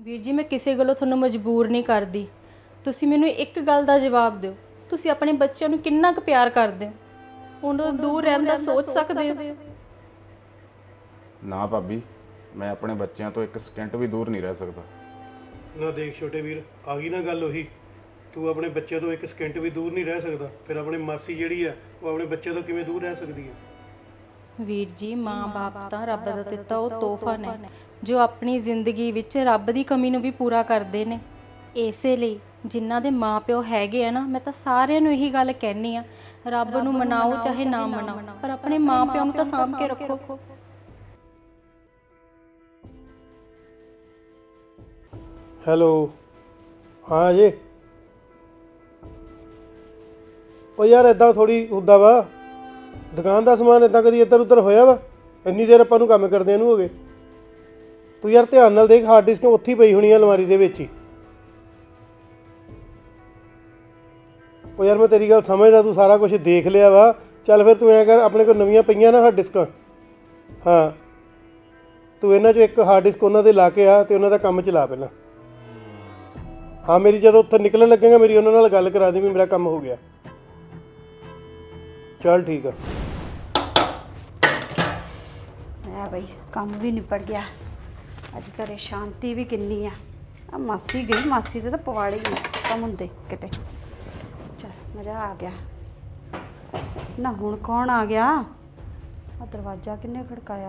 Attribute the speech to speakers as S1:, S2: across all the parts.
S1: ਵੀਰ ਜੀ, ਮੈਂ ਕਿਸੇ ਗੱਲੋਂ ਤੁਹਾਨੂੰ ਮਜਬੂਰ ਨਹੀਂ ਕਰਦੀ। ਤੁਸੀਂ ਮੈਨੂੰ ਇੱਕ ਗੱਲ ਦਾ ਜਵਾਬ ਦਿਓ, ਤੁਸੀਂ ਆਪਣੇ ਬੱਚਿਆਂ ਨੂੰ ਕਿੰਨਾ ਕੁ ਪਿਆਰ ਕਰਦੇ ਹੋ? ਉਹਨਾਂ ਤੋਂ ਦੂਰ ਰਹਿਣ ਦਾ ਸੋਚ ਸਕਦੇ ਹੋ?
S2: ਨਾ ਭਾਬੀ, ਮੈਂ ਆਪਣੇ ਬੱਚਿਆਂ ਤੋਂ ਇੱਕ ਸਕਿੰਟ ਵੀ ਦੂਰ ਨਹੀਂ ਰਹਿ ਸਕਦਾ।
S3: ਨਾ ਦੇਖ ਛੋਟੇ ਵੀਰ, ਆ ਗਈ ਨਾ ਗੱਲ ਉਹੀ। ਤੂੰ ਆਪਣੇ ਬੱਚਿਆਂ ਤੋਂ ਇੱਕ ਸਕਿੰਟ ਵੀ ਦੂਰ ਨਹੀਂ ਰਹਿ ਸਕਦਾ, ਫਿਰ ਆਪਣੀ ਮਾਸੀ ਜਿਹੜੀ ਆ ਉਹ ਆਪਣੇ ਬੱਚਿਆਂ ਤੋਂ ਕਿਵੇਂ ਦੂਰ ਰਹਿ ਸਕਦੀ ਹੈ?
S1: ਵੀਰ ਜੀ, ਮਾਂ-ਬਾਪ ਤਾਂ ਰੱਬ ਦਾ ਦਿੱਤਾ ਉਹ ਤੋਹਫਾ ਨੇ ਜੋ ਆਪਣੀ ਜ਼ਿੰਦਗੀ ਵਿੱਚ ਰੱਬ ਦੀ ਕਮੀ ਨੂੰ ਵੀ ਪੂਰਾ ਕਰਦੇ ਨੇ। ਇਸੇ ਲਈ ਜਿਨ੍ਹਾਂ ਦੇ ਮਾਪਿਓ ਹੈਗੇ ਆ ਨਾ, ਮੈਂ ਤਾਂ ਸਾਰਿਆਂ ਨੂੰ ਇਹੀ ਗੱਲ ਕਹਿਣੀ ਆ, ਰੱਬ ਨੂੰ ਮਨਾਓ ਚਾਹੇ ਨਾ ਮਨਾਓ, ਪਰ ਆਪਣੇ ਮਾਪਿਆਂ ਨੂੰ ਤਾਂ ਸਾਂਭ ਕੇ ਰੱਖੋ।
S3: ਹੈਲੋ, ਹਾਂ ਜੀ। ਉਹ ਯਾਰ ਇਦਾਂ ਥੋੜੀ ਹੁੰਦਾ ਵਾ, ਦੁਕਾਨ ਦਾ ਸਮਾਨ ਇਦਾਂ ਕਦੀ ਇੱਧਰ ਉੱਧਰ ਹੋਇਆ ਵਾ? ਇੰਨੀ ਦੇਰ ਆਪਾਂ ਨੂੰ ਕੰਮ ਕਰਦਿਆਂ ਨੂੰ ਹੋ ਗਏ। ਤੂੰ ਯਾਰ ਧਿਆਨ ਨਾਲ ਦੇਖ, ਹਾਰਡ ਡਿਸਕ ਉੱਥੇ ਹੀ ਪਈ ਹੋਣੀ ਆ ਅਲਮਾਰੀ ਦੇ ਵਿੱਚ ਹੀ। ਉਹ ਯਾਰ ਮੈਂ ਤੇਰੀ ਗੱਲ ਸਮਝਦਾ, ਤੂੰ ਸਾਰਾ ਕੁਝ ਦੇਖ ਲਿਆ ਵਾ। ਚੱਲ ਫਿਰ ਤੂੰ ਐਂ ਕਰ, ਆਪਣੇ ਕੋਲ ਨਵੀਆਂ ਪਈਆਂ ਨਾ ਹਾਰਡ ਡਿਸਕਾਂ, ਹਾਂ ਤੂੰ ਇਹਨਾਂ 'ਚੋਂ ਇੱਕ ਹਾਰਡ ਡਿਸਕ ਉਹਨਾਂ ਦੇ ਲਾ ਕੇ ਆ ਅਤੇ ਉਹਨਾਂ ਦਾ ਕੰਮ ਚਲਾ ਪਹਿਲਾਂ। ਹਾਂ, ਮੇਰੀ ਜਦੋਂ ਉੱਥੇ ਨਿਕਲਣ ਲੱਗੇਗਾ ਮੇਰੀ ਉਹਨਾਂ ਨਾਲ ਗੱਲ ਕਰਾ ਦੇ ਵੀ ਮੇਰਾ ਕੰਮ ਹੋ ਗਿਆ। ਚੱਲ ਠੀਕ ਆ।
S4: ਹੈ ਬਈ, ਕੰਮ ਵੀ ਨਿਪਟ ਗਿਆ। ਅੱਜ ਘਰੇ ਸ਼ਾਂਤੀ ਵੀ ਕਿੰਨੀ ਆ ਮਾਸੀ ਗਈ, ਮਾਸੀ ਦੇ ਤਾਂ ਪਵਾੜੇ ਹੀ ਕੰਮ ਹੁੰਦੇ ਕਿਤੇ। ਚੱਲ ਮਜ਼ਾ ਆ ਗਿਆ ਨਾ। ਹੁਣ ਕੌਣ ਆ ਗਿਆ? ਆ ਦਰਵਾਜ਼ਾ ਕਿੰਨੇ ਖੜਕਾਇਆ?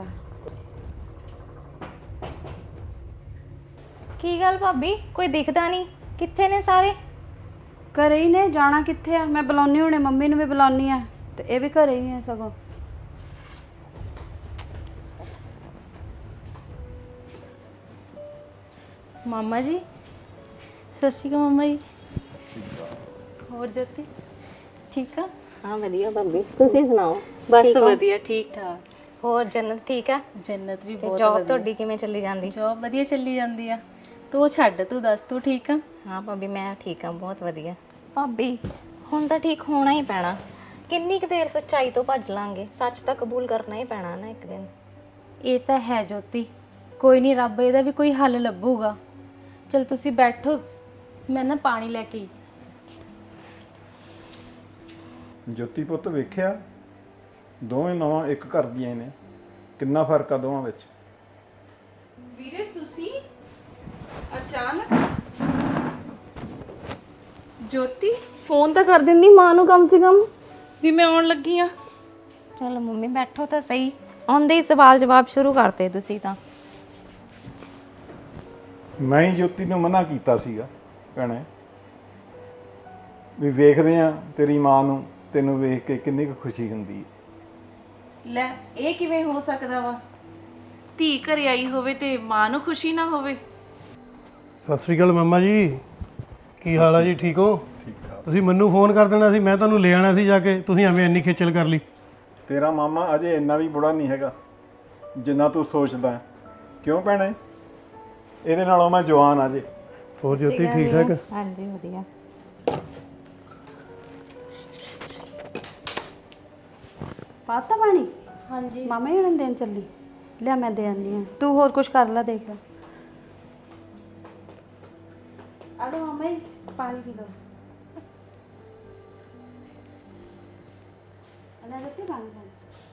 S5: ਕੀ ਗੱਲ ਭਾਬੀ, ਕੋਈ ਦਿਖਦਾ ਨਹੀਂ? ਕਿੱਥੇ ਨੇ ਸਾਰੇ?
S4: ਘਰੇ ਹੀ ਨੇ, ਜਾਣਾ ਕਿੱਥੇ ਆ? ਮੈਂ ਬੁਲਾਉਣੀ ਹੁਣੇ, ਮੰਮੀ ਨੂੰ ਵੀ ਬੁਲਾਉਣੀ ਆ ਤੇ ਇਹ ਵੀ ਘਰੇ ਹੀ ਆ ਸਗੋਂ।
S1: ਮਾਮਾ ਜੀ, ਸਤਿ ਸ਼੍ਰੀ ਅਕਾਲ ਮਾਮਾ ਜੀ। ਹੋਰ ਜੋਤੀ ਠੀਕ ਆ?
S5: ਹਾਂ ਵਧੀਆ ਭਾਬੀ, ਤੁਸੀਂ ਸੁਣਾਓ?
S1: ਬਸ ਵਧੀਆ, ਠੀਕ ਠਾਕ।
S5: ਹੋਰ ਜੰਨਤ ਠੀਕ ਆ?
S1: ਜੰਨਤ ਵੀ
S5: ਤੇ
S1: ਬਹੁਤ
S5: ਜੌਬ
S1: ਵਧੀਆ।
S5: ਤੁਹਾਡੀ ਕਿਵੇਂ ਚੱਲੀ ਜਾਂਦੀ?
S1: ਜੌਬ ਵਧੀਆ ਚੱਲੀ ਜਾਂਦੀ ਆ। ਤੂੰ ਛੱਡ, ਤੂੰ ਦੱਸ, ਤੂੰ ਠੀਕ ਆ?
S5: ਹਾਂ ਭਾਬੀ, ਮੈਂ ਠੀਕ ਆ, ਬਹੁਤ ਵਧੀਆ। ਭਾਬੀ ਹੁਣ ਤਾਂ ਠੀਕ ਹੋਣਾ ਹੀ ਪੈਣਾ। ਕਿੰਨੀ ਕੁ ਦੇਰ ਸੱਚਾਈ ਤੋਂ ਭੱਜ ਲਾਂਗੇ? ਸੱਚ ਤਾਂ ਕਬੂਲ ਕਰਨਾ ਹੀ ਪੈਣਾ ਨਾ ਇੱਕ ਦਿਨ।
S1: ਇਹ ਤਾਂ ਹੈ ਜੋਤੀ, ਕੋਈ ਨਹੀਂ, ਰੱਬ ਇਹਦਾ ਵੀ ਕੋਈ ਹੱਲ ਲੱਭੂਗਾ। ਚਲ ਤੁਸੀਂ ਬੈਠੋ, ਮੈਂ ਨਾ ਪਾਣੀ ਲੈ ਕੇ।
S2: ਜੋਤੀ ਪੁੱਤ, ਵੇਖਿਆ ਦੋਵੇਂ ਨਵਾਂ ਇੱਕ ਘਰ ਦੀਆਂ ਨੇ, ਕਿੰਨਾ ਫਰਕ ਆ ਦੋਵਾਂ ਵਿੱਚ।
S6: ਵੀਰੇ ਤੁਸੀਂ ਅਚਾਨਕ? ਜੋਤੀ ਫੋਨ ਤਾਂ ਕਰ ਦਿੰਦੀ ਮਾਂ ਨੂੰ ਕਮ ਸੇ ਕਮ ਵੀ ਮੈਂ ਆਉਣ ਲੱਗੀ ਆ।
S5: ਚਲ ਮੰਮੀ ਬੈਠੋ ਤਾਂ ਸਹੀ। ਆਉਂਦੇ ਹੀ ਸਵਾਲ ਜਵਾਬ ਸ਼ੁਰੂ ਕਰਤੇ ਤੁਸੀਂ ਤਾਂ।
S2: ਮੈਂ ਹੀ ਜੋਤੀ ਨੂੰ ਮਨਾ ਕੀਤਾ ਸੀਗਾ ਭੈਣੇ, ਵੀ ਵੇਖਦੇ ਆ ਤੇਰੀ ਮਾਂ ਨੂੰ ਤੈਨੂੰ ਵੇਖ ਕੇ ਕਿੰਨੀ ਕੁ ਖੁਸ਼ੀ ਹੁੰਦੀ ਹੈ।
S6: ਲੈ, ਇਹ ਕਿਵੇਂ ਹੋ ਸਕਦਾ ਵਾ? ਧੀ ਘਰੇ ਆਈ ਹੋਵੇ ਤੇ ਮਾਂ ਨੂੰ ਖੁਸ਼ੀ ਨਾ ਹੋਵੇ?
S3: ਸਤਿ ਸ੍ਰੀ ਅਕਾਲ ਮਾਮਾ ਜੀ, ਕੀ ਹਾਲ ਆ ਜੀ? ਠੀਕ ਹੋ? ਤੁਸੀਂ ਮੈਨੂੰ ਫੋਨ ਕਰ ਦੇਣਾ ਸੀ, ਮੈਂ ਤੁਹਾਨੂੰ ਲੈ ਆਉਣਾ ਸੀ ਜਾ ਕੇ, ਤੁਸੀਂ ਐਵੇਂ ਇੰਨੀ ਖੇਚਲ ਕਰ ਲਈ।
S2: ਤੇਰਾ ਮਾਮਾ ਅਜੇ ਇੰਨਾ ਵੀ ਬੁੜਾ ਨਹੀਂ ਹੈਗਾ ਜਿੰਨਾ ਤੂੰ ਸੋਚਦਾ ਹੈ। ਕਿਉਂ ਭੈਣੇ? ਇਹਦੇ ਨਾਲੋਂ ਮੈਂ ਜਵਾਨ ਆ ਜੇ।
S3: ਹੋਰ ਜੋਤੀ ਠੀਕ ਠਾਕ?
S5: ਹਾਂਜੀ ਵਧੀਆ।
S4: ਪਾਤਾ ਪਾਣੀ?
S1: ਹਾਂਜੀ
S4: ਮਾਮਾ ਹੀ ਹੁਣ ਦੇਣ ਚੱਲੀ। ਲਿਆ ਮੈਂ ਦੇ ਆਉਂਦੀ ਹਾਂ, ਤੂੰ ਹੋਰ ਕੁਝ ਕਰ ਲੈ, ਦੇਖ ਲੈ। ਆ ਲਓ ਮਾਮਾ ਜੀ, ਪਾਣੀ ਪੀ ਲਓ। ਅਨਾ ਰੱਤੀ ਪਾਣੀ ਪੀ।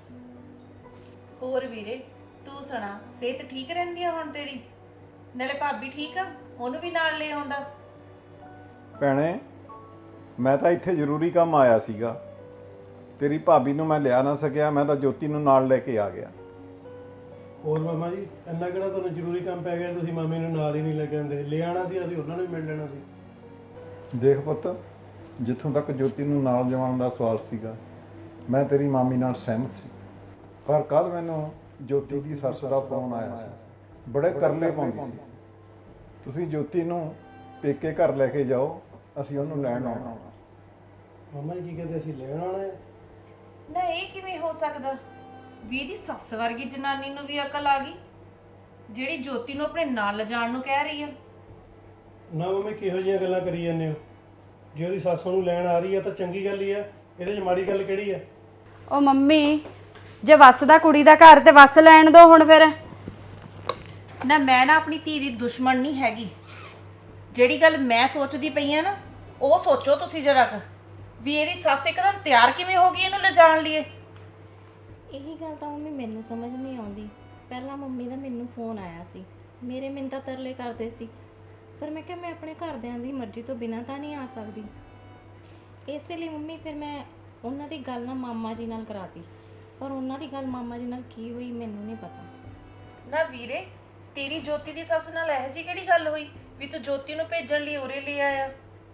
S6: ਹੋਰ ਵੀਰੇ ਤੂੰ ਸੁਣਾ, ਸਿਹਤ ਠੀਕ ਰਹਿੰਦੀ ਆ ਹੁਣ ਤੇਰੀ? ਨਾਲੇ ਭਾਬੀ ਠੀਕ ਆ, ਉਹਨੂੰ ਵੀ ਨਾਲ ਲੈ ਆਉਂਦਾ।
S2: ਭੈਣੇ, ਮੈਂ ਤਾਂ ਇੱਥੇ ਜ਼ਰੂਰੀ ਕੰਮ ਆਇਆ ਸੀਗਾ, ਤੇਰੀ ਭਾਬੀ ਨੂੰ ਮੈਂ ਲਿਆ ਨਾ ਸਕਿਆ, ਮੈਂ ਤਾਂ ਜੋਤੀ ਨੂੰ ਨਾਲ ਲੈ ਕੇ ਆ ਗਿਆ।
S3: ਹੋਰ ਮਾਮਾ ਜੀ, ਇੰਨਾ ਕਿਹੜਾ ਤੁਹਾਨੂੰ ਜ਼ਰੂਰੀ ਕੰਮ ਪੈ ਗਿਆ ਤੁਸੀਂ ਮਾਮੀ ਨੂੰ ਨਾਲ ਹੀ ਨਹੀਂ ਲੈ ਕੇ ਆਉਂਦੇ? ਲੈ ਆਉਣਾ ਸੀ, ਅਸੀਂ ਉਹਨਾਂ ਨੂੰ ਵੀ ਮਿਲ ਲੈਣਾ ਸੀ।
S2: ਦੇਖ ਪੁੱਤ, ਜਿੱਥੋਂ ਤੱਕ ਜੋਤੀ ਨੂੰ ਨਾਲ ਜਾਣ ਦਾ ਸਵਾਲ ਸੀਗਾ, ਮੈਂ ਤੇਰੀ ਮਾਮੀ ਨਾਲ ਸਹਿਮਤ ਸੀ, ਪਰ ਕੱਲ ਮੈਨੂੰ ਜੋਤੀ ਦੀ ਸੱਸ ਦਾ ਫੋਨ ਆਇਆ ਸੀ, ਬੜੇ ਤਰਲੇ ਪਾਉਂਦੀ ਸੀ। ਤੁਸੀਂ ਜੋਤੀ ਨੂੰ ਪੇਕੇ ਘਰ ਲੈ ਕੇ ਜਾਓ, ਅਸੀਂ ਉਹਨੂੰ ਲੈਣ ਆਉਣਾ।
S3: ਮਾਮਾ ਜੀ ਕੀ ਕਹਿੰਦੇ, ਅਸੀਂ ਲੈਣ ਆਉਣਾ ਹੈ?
S6: ਨਾ ਇਹ ਕਿਵੇਂ ਹੋ ਸਕਦਾ? ਵੀ ਦੀ ਸੱਸ ਵਰਗੀ ਜਨਾਨੀ ਨੂੰ ਵੀ ਅਕਲ ਆ ਗਈ ਜਿਹੜੀ ਜੋਤੀ ਨੂੰ ਆਪਣੇ ਨਾਲ ਲਿਜਾਣ ਨੂੰ ਕਹਿ ਰਹੀ ਆ।
S3: ਨਾ ਮੰਮੀ, ਕਿਹੋ ਜਿਹੀਆਂ ਗੱਲਾਂ ਕਰੀ ਜਾਂਦੇ ਹੋ? ਜੇ ਉਹਦੀ ਸੱਸ ਨੂੰ ਲੈਣ ਆ ਰਹੀ ਹੈ ਤਾਂ ਚੰਗੀ ਗੱਲ ਹੀ ਆ, ਇਹਦੇ 'ਚ ਮਾੜੀ ਗੱਲ ਕਿਹੜੀ ਆ?
S4: ਉਹ ਮੰਮੀ, ਜੇ ਵੱਸਦਾ ਕੁੜੀ ਦਾ ਘਰ ਤੇ ਵੱਸ ਲੈਣ ਦੋ ਹੁਣ ਫਿਰ।
S6: ਨਾ ਮੈਂ ਨਾ ਆਪਣੀ ਧੀ ਦੀ ਦੁਸ਼ਮਣ ਨਹੀਂ ਹੈਗੀ। ਜਿਹੜੀ ਗੱਲ ਮੈਂ ਸੋਚਦੀ ਪਈ ਆ ਨਾ, ਉਹ ਸੋਚੋ ਤੁਸੀਂ ਜਰਾ ਕੁ ਵੀ ਇਹਦੀ ਸੱਸ ਇੱਕਦਮ ਤਿਆਰ ਕਿਵੇਂ ਹੋ ਗਈ ਇਹਨੂੰ ਲਿਜਾਣ ਲਈ।
S5: ਇਹੀ ਗੱਲ ਤਾਂ ਮੰਮੀ ਮੈਨੂੰ ਸਮਝ ਨਹੀਂ ਆਉਂਦੀ। ਪਹਿਲਾਂ ਮੰਮੀ ਦਾ ਮੈਨੂੰ ਫੋਨ ਆਇਆ ਸੀ, ਮੇਰੇ ਮਿੰਨਤਾਂ ਤਰਲੇ ਕਰਦੇ ਸੀ, ਪਰ ਮੈਂ ਕਿਹਾ ਮੈਂ ਆਪਣੇ ਘਰਦਿਆਂ ਦੀ ਮਰਜ਼ੀ ਤੋਂ ਬਿਨਾਂ ਤਾਂ ਨਹੀਂ ਆ ਸਕਦੀ। ਇਸੇ ਲਈ ਮੰਮੀ ਫਿਰ ਮੈਂ ਉਹਨਾਂ ਦੀ ਗੱਲ ਨਾ ਮਾਮਾ ਜੀ ਨਾਲ ਕਰਾਤੀ, ਪਰ ਉਹਨਾਂ ਦੀ ਗੱਲ ਮਾਮਾ ਜੀ ਨਾਲ ਕੀ ਹੋਈ ਮੈਨੂੰ ਨਹੀਂ ਪਤਾ।
S6: ਨਾ ਵੀਰੇ, ਤੇਰੀ ਜੋਤੀ ਦੀ ਸੱਸ ਨਾਲ ਇਹੋ ਜਿਹੀ ਕਿਹੜੀ ਗੱਲ ਹੋਈ ਵੀ ਤੂੰ ਜੋਤੀ ਨੂੰ ਭੇਜਣ ਲਈ ਉਰੇ ਲੈ ਆਇਆ?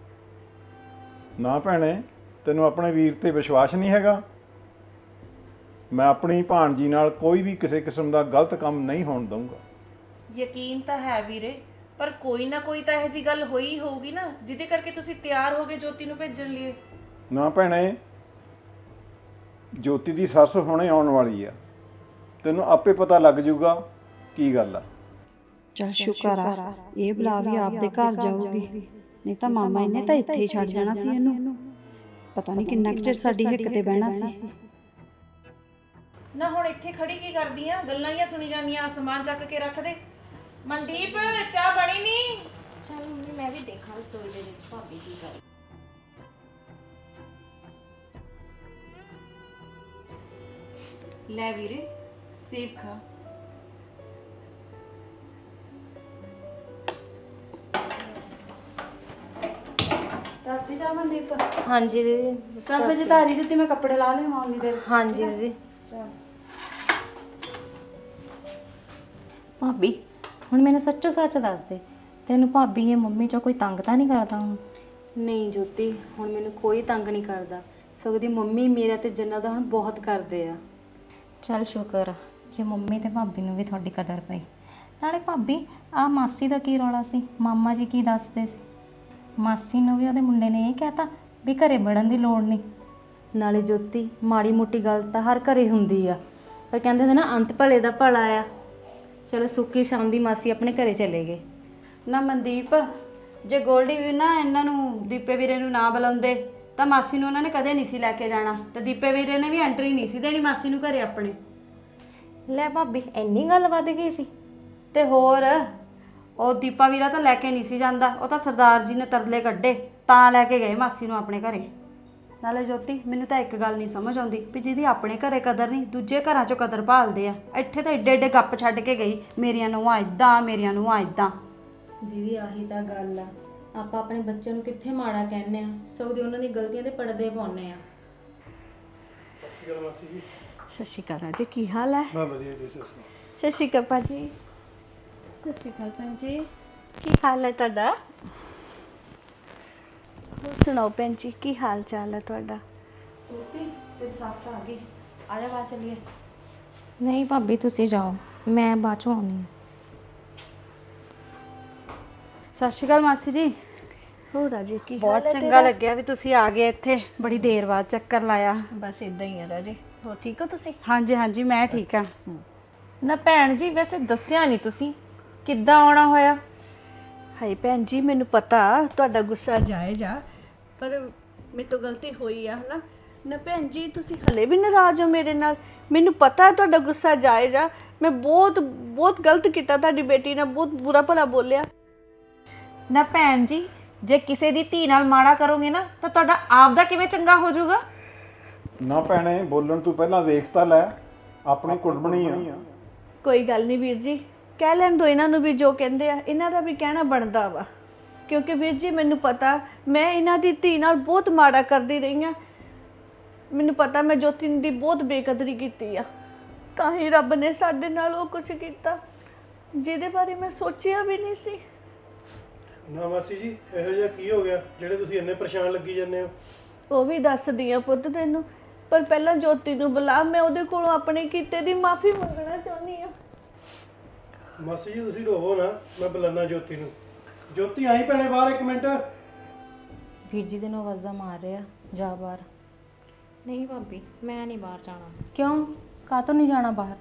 S2: ਨਾ ਭੈਣੇ, ਤੈਨੂੰ ਆਪਣੇ ਵੀਰ ਤੇ ਵਿਸ਼ਵਾਸ ਨਹੀਂ ਹੈਗਾ? ਮੈਂ ਆਪਣੀ ਭਾਣਜੀ ਨਾਲ ਕੋਈ ਵੀ ਕਿਸੇ ਕਿਸਮ ਦਾ ਗਲਤ ਕੰਮ ਨਹੀਂ ਹੋਣ ਦਊਂਗਾ।
S6: ਯਕੀਨ ਤਾਂ ਹੈ ਵੀਰੇ, ਪਰ ਕੋਈ ਨਾ ਕੋਈ ਤਾਂ ਇਹੋ ਜਿਹੀ ਗੱਲ ਹੋਈ ਹੋਊਗੀ ਨਾ ਜਿਹਦੇ ਕਰਕੇ ਤੁਸੀਂ ਤਿਆਰ ਹੋ ਗਏ ਜੋਤੀ ਨੂੰ ਭੇਜਣ ਲਈ।
S2: ਨਾ ਭੈਣੇ, ਜੋਤੀ ਦੀ ਸੱਸ ਹੁਣੇ ਆਉਣ ਵਾਲੀ ਆ, ਤੈਨੂੰ ਆਪੇ ਪਤਾ ਲੱਗ ਜਾਊਗਾ ਕੀ ਗੱਲ ਆ।
S4: ਚਲ ਸ਼ੁਕਰ ਆ ਇਹ ਬਲਾ ਵੀ ਆਪਦੇ ਘਰ ਜਾਊਗੀ, ਨਹੀਂ ਤਾਂ ਮਾਮਾ ਇਹਨੇ ਤਾਂ ਇੱਥੇ ਹੀ ਛੱਡ ਜਾਣਾ ਸੀ ਇਹਨੂੰ। ਪਤਾ ਨਹੀਂ ਕਿੰਨਾ ਕੁ ਚਿਰ ਸਾਡੀ ਹਿੱਕ ਤੇ ਬਹਿਣਾ ਸੀ।
S6: ਨਾ ਹੁਣ ਇੱਥੇ ਖੜੀ ਕੀ ਕਰਦੀ ਆ? ਗੱਲਾਂ ਹੀ ਸੁਣੀ ਜਾਂਦੀਆਂ। ਸਮਾਨ ਚੱਕ ਕੇ ਰੱਖ ਦੇ। ਮਨਦੀਪ, ਚਾਹ ਬਣੀ ਨਹੀਂ?
S5: ਚਲ ਮੰਮੀ ਮੈਂ ਵੀ ਦੇਖਾਂ ਰਸੋਈ ਦੇ ਵਿੱਚ ਭਾਬੀ ਕੀ ਕਰ।
S6: ਲੈ ਵੀਰੇ, ਸੇਬ ਖਾ।
S4: ਰਾਤੀ ਜਾ ਮਨਦੀਪ
S1: ਹਾਂਜੀ ਦੀਦੀ।
S4: ਚੱਲ ਫਿਰ ਜੇ ਧਾਰੀ ਦਿੱਤੀ ਮੈਂ ਕੱਪੜੇ ਲਾ ਲਿਆਵਾਂ ਉਨੀ ਦੇਰ।
S1: ਹਾਂਜੀ ਦੀਦੀ।
S5: ਭਾਬੀ ਹੁਣ ਮੈਨੂੰ ਸੱਚੋ ਸੱਚ ਦੱਸ ਦੇ, ਤੈਨੂੰ ਭਾਬੀ ਇਹ ਮੰਮੀ ਚੋਂ ਕੋਈ ਤੰਗ ਤਾਂ ਨਹੀਂ ਕਰਦਾ ਹੁਣ?
S1: ਨਹੀਂ ਜੋਤੀ, ਹੁਣ ਮੈਨੂੰ ਕੋਈ ਤੰਗ ਨਹੀਂ ਕਰਦਾ, ਸਗੋਂ ਦੀ ਮੰਮੀ ਮੇਰਾ ਤੇ ਜੰਨਾ ਦਾ ਹੁਣ ਬਹੁਤ ਕਰਦੇ ਆ।
S5: ਚੱਲ ਸ਼ੁਕਰ ਆ ਜੇ ਮੰਮੀ ਤੇ ਭਾਬੀ ਨੂੰ ਵੀ ਤੁਹਾਡੀ ਕਦਰ ਪਈ। ਨਾਲੇ ਭਾਬੀ ਆ ਮਾਸੀ ਦਾ ਕੀ ਰੌਲਾ ਸੀ? ਮਾਮਾ ਜੀ ਕੀ ਦੱਸਦੇ ਸੀ? ਮਾਸੀ ਨੂੰ ਵੀ ਉਹਦੇ ਮੁੰਡੇ ਨੇ ਇਹ ਕਹਿਤਾ ਵੀ ਘਰੇ ਵੜਨ ਦੀ ਲੋੜ ਨਹੀਂ।
S1: ਨਾਲੇ ਜੋਤੀ, ਮਾੜੀ ਮੋਟੀ ਗੱਲ ਤਾਂ ਹਰ ਘਰੇ ਹੁੰਦੀ ਆ, ਪਰ ਕਹਿੰਦੇ ਹੁੰਦੇ ਨਾ ਅੰਤ ਭਲੇ ਦਾ ਭਲਾ ਆ। ਚਲੋ ਸੁੱਕੀ ਸ਼ਾਮ ਦੀ ਮਾਸੀ ਆਪਣੇ ਘਰੇ ਚਲੇ ਗਏ।
S4: ਨਾ ਮਨਦੀਪ, ਜੇ ਗੋਲਡੀ ਵੀ ਨਾ ਇਹਨਾਂ ਨੂੰ ਦੀਪੇ ਵੀਰੇ ਨੂੰ ਨਾ ਬੁਲਾਉਂਦੇ ਤਾਂ ਮਾਸੀ ਨੂੰ ਉਹਨਾਂ ਨੇ ਕਦੇ ਨਹੀਂ ਸੀ ਲੈ ਕੇ ਜਾਣਾ, ਤੇ ਦੀਪੇ ਵੀਰੇ ਨੇ ਵੀ ਐਂਟਰੀ ਨਹੀਂ ਸੀ ਦੇਣੀ ਮਾਸੀ ਨੂੰ ਘਰੇ ਆਪਣੇ।
S5: ਲੈ ਭਾਬੀ ਇੰਨੀ ਗੱਲ ਵੱਧ ਗਈ ਸੀ?
S4: ਤੇ ਹੋਰ, ਉਹ ਦੀਪਾ ਵੀਰਾ ਤਾਂ ਲੈ ਕੇ ਨਹੀਂ ਸੀ ਜਾਂਦਾ, ਉਹ ਤਾਂ ਸਰਦਾਰ ਜੀ ਨੇ ਤਰਲੇ ਕੱਢੇ ਤਾਂ ਲੈ ਕੇ ਗਏ ਮਾਸੀ ਨੂੰ ਆਪਣੇ ਘਰੇ। ਨਾਲੇ ਜੋਤੀ, ਮੈਨੂੰ ਤਾਂ ਇੱਕ ਗੱਲ ਨਹੀਂ ਸਮਝ ਆਉਂਦੀ ਵੀ ਜਿਹਦੀ ਆਪਣੇ ਘਰੇ ਕਦਰ ਨਹੀਂ, ਦੂਜੇ ਘਰਾਂ 'ਚੋਂ ਕਦਰ ਭਾਲਦੇ ਆ। ਇੱਥੇ ਤਾਂ ਏਡੇ ਏਡੇ ਗੱਪ ਛੱਡ ਕੇ ਗਈ, ਮੇਰੀਆਂ ਨੂੰਹਾਂ ਇਦਾਂ, ਮੇਰੀਆਂ ਨੂੰਹਾਂ ਇਦਾਂ।
S1: ਦੀਦੀ ਆਹੀ ਤਾਂ ਗੱਲ ਆ, ਆਪਾਂ ਆਪਣੇ ਬੱਚਿਆਂ ਨੂੰ ਕਿੱਥੇ ਮਾੜਾ ਕਹਿੰਦੇ ਆ, ਸਗੋਂ ਦੀ ਉਹਨਾਂ ਦੀ ਗਲਤੀਆਂ ਦੇ ਪਰਦੇ ਪਾਉਂਦੇ ਆ।
S4: ਸਤਿ ਸ਼੍ਰੀ ਅਕਾਲ ਜੀ, ਕੀ ਹਾਲ ਹੈ?
S3: ਬਾ ਵਧੀਆ ਜੀ ਸੱਸ।
S4: ਸਤਿ ਸ਼੍ਰੀ ਅਕਾਲ ਭਾਜੀ। ਸਤਿ ਸ਼੍ਰੀ ਅਕਾਲ ਭੈਣ ਜੀ, ਕੀ ਹਾਲ ਹੈ ਤੁਹਾਡਾ? ਹੋਰ ਸੁਣਾਓ ਭੈਣ ਜੀ, ਕੀ ਹਾਲ ਚਾਲ ਹੈ ਤੁਹਾਡਾ? ਤੇ ਸੱਸ ਆ ਗਈ, ਆ ਜਾ ਬਾਹਰ ਚੱਲੀਏ।
S5: ਨਹੀਂ ਭਾਬੀ ਤੁਸੀਂ ਜਾਓ, ਮੈਂ ਬਾਅਦ ਚੋਂ ਆਉਣੀ ਹਾਂ।
S4: ਸਤਿ ਸ਼੍ਰੀ ਅਕਾਲ ਮਾਸੀ ਜੀ। ਹੋਰ ਰਾਜੀ, ਕੀ ਬਹੁਤ ਚੰਗਾ ਲੱਗਿਆ ਵੀ ਤੁਸੀਂ ਆ ਗਏ ਇੱਥੇ, ਬੜੀ ਦੇਰ ਬਾਅਦ ਚੱਕਰ ਲਾਇਆ।
S7: ਬਸ ਇਦਾਂ ਹੀ ਆ ਰਾਜੇ। ਹੋਰ ਠੀਕ ਹੋ ਤੁਸੀਂ?
S4: ਹਾਂਜੀ ਹਾਂਜੀ, ਮੈਂ ਠੀਕ ਆ।
S6: ਨਾ ਭੈਣ ਜੀ, ਵੈਸੇ ਦੱਸਿਆ ਨਹੀਂ ਤੁਸੀਂ ਕਿੱਦਾਂ ਆਉਣਾ ਹੋਇਆ?
S7: ਹਾਏ ਭੈਣ ਜੀ, ਮੈਨੂੰ ਪਤਾ ਤੁਹਾਡਾ ਗੁੱਸਾ ਜਾਇਜ਼ ਆ, ਪਰ ਮੇਰੇ ਤੋਂ ਗਲਤੀ ਹੋਈ ਆ ਹਨਾ। ਨਾ ਭੈਣ ਜੀ, ਤੁਸੀਂ ਹਲੇ ਵੀ ਨਾਰਾਜ਼ ਹੋ ਮੇਰੇ ਨਾਲ? ਮੈਨੂੰ ਪਤਾ ਤੁਹਾਡਾ ਗੁੱਸਾ ਜਾਇਜ਼ ਆ, ਮੈਂ ਬਹੁਤ ਬਹੁਤ ਗਲਤ ਕੀਤਾ, ਤੁਹਾਡੀ ਬੇਟੀ ਨਾਲ ਬਹੁਤ ਬੁਰਾ ਭਲਾ ਬੋਲਿਆ।
S6: ਨਾ ਭੈਣ ਜੀ, ਜੇ ਕਿਸੇ ਦੀ ਧੀ ਨਾਲ ਮਾੜਾ ਕਰੋਗੇ ਨਾ ਤਾਂ ਤੁਹਾਡਾ ਆਪ ਦਾ ਕਿਵੇਂ ਚੰਗਾ ਹੋ ਜਾਊਗਾ?
S2: ਨਾ ਭੈਣੇ, ਬੋਲਣ ਤੋਂ ਪਹਿਲਾਂ ਵੇਖ ਤਾਂ ਲੈ, ਆਪਣੀ ਕੁੜਮਣੀ ਆ।
S7: ਕੋਈ ਗੱਲ ਨਹੀਂ ਵੀਰ ਜੀ, ਕਹਿ ਲੈਣ ਦੋ ਇਹਨਾਂ ਨੂੰ ਵੀ ਜੋ ਕਹਿੰਦੇ ਆ, ਇਹਨਾਂ ਦਾ ਵੀ ਕਹਿਣਾ ਬਣਦਾ ਵਾ। ਕਿਉਂਕਿ ਵੀਰ ਜੀ ਮੈਨੂੰ ਪਤਾ ਮੈਂ ਇਹਨਾਂ ਦੀ ਧੀ ਨਾਲ ਬਹੁਤ ਮਾੜਾ ਕਰਦੀ ਰਹੀ ਆ। ਮੈਨੂੰ ਪਤਾ ਮੈਂ ਜੋਤੀ ਦੀ ਬਹੁਤ ਬੇਕਦਰੀ ਕੀਤੀ ਆ, ਤਾਂ ਹੀ ਰੱਬ ਨੇ ਸਾਡੇ ਨਾਲ ਉਹ ਕੁਝ ਕੀਤਾ ਜਿਹਦੇ ਬਾਰੇ ਮੈਂ ਸੋਚਿਆ ਵੀ ਨਹੀਂ ਸੀ।
S3: ਨਾ ਮਾਸੀ ਜੀ, ਇਹੋ ਜਿਹਾ ਕੀ ਹੋ ਗਿਆ ਜਿਹੜੇ ਤੁਸੀਂ ਇੰਨੇ ਪਰੇਸ਼ਾਨ ਲੱਗੀ ਜਾਂਦੇ ਹੋ?
S7: ਉਹ ਵੀ ਦੱਸਦੀ ਆ ਪੁੱਤ ਤੈਨੂੰ, ਪਰ ਪਹਿਲਾਂ ਜੋਤੀ ਨੂੰ ਬੁਲਾ, ਮੈਂ ਉਹਦੇ ਕੋਲੋਂ ਆਪਣੇ ਕੀਤੇ ਦੀ ਮਾਫੀ ਮੰਗਣਾ ਚਾਹੁੰਦੀ ਆ।
S3: ਮਾਸੀ ਜੀ ਤੁਸੀਂ ਰੋਵੋ ਨਾ, ਮੈਂ ਬੁਲਾਣਾ ਜੋਤੀ ਨੂੰ। ਜੋਤੀ ਆਈ ਭੈਣੇ ਬਾਹਰ ਇੱਕ ਮਿੰਟ।
S1: ਵੀਰ ਜੀ ਦੇ ਨੂੰ ਆਵਾਜ਼ਾਂ ਮਾਰ ਰਿਹਾ, ਜਾ ਬਾਹਰ।
S5: ਨਹੀਂ ਭਾਬੀ, ਮੈਂ ਨਹੀਂ ਬਾਹਰ ਜਾਣਾ।
S1: ਕਿਉਂ, ਕਾਹਤੋਂ ਨਹੀਂ ਜਾਣਾ ਬਾਹਰ?